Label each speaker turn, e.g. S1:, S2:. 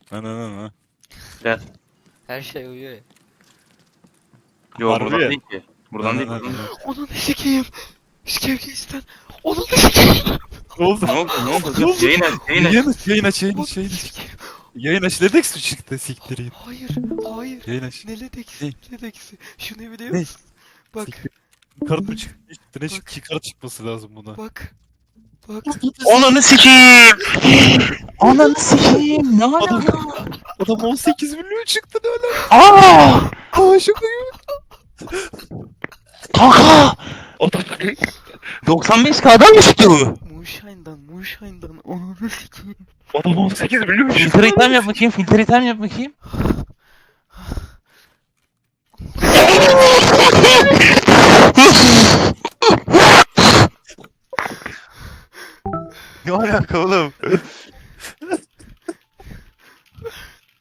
S1: Ana.
S2: Gel.
S3: Her şey uyuyor ya.
S2: Yo
S1: Harbi
S2: buradan
S1: ya.
S2: değil ki. Buradan değil. Buradan değil.
S3: Onun sikeyim. Şevkisten. Onun sikeyim.
S1: Ne oldu?
S2: Ne oldu? Ne oldu?
S1: Ne oldu?
S2: Yayın aç. Yayın aç.
S1: Yayın aç.
S3: Onun sikeyim.
S1: Yayın aç. Ledex mi çıktı siktireyim?
S3: Hayır. Hayır.
S1: Yayın aç.
S3: Ne Ledex?
S1: Ne?
S3: Ledex. Şunu biliyor
S1: Ne?
S3: musun? Bak.
S1: Siktir. Kart mı çıktı? Ne
S3: Bak.
S1: çıktı? Kart çıkması lazım buna.
S3: Bak. Bak.
S2: Ananı sikeyim. Ananı sikeyim. Ne
S1: Adam,
S2: alaka?
S1: adam 18 milyon çıktı ne öyle?
S2: Aa!
S1: Aa şaka gibi.
S2: Kanka! 95K'dan mı çıktı bu?
S3: Moonshine'dan. Onun sikeyim.
S1: Adam 18 milyon çıktı.
S2: Filtre item yap bakayım. Filtre item yap bakayım.
S1: Ne alaka oğlum?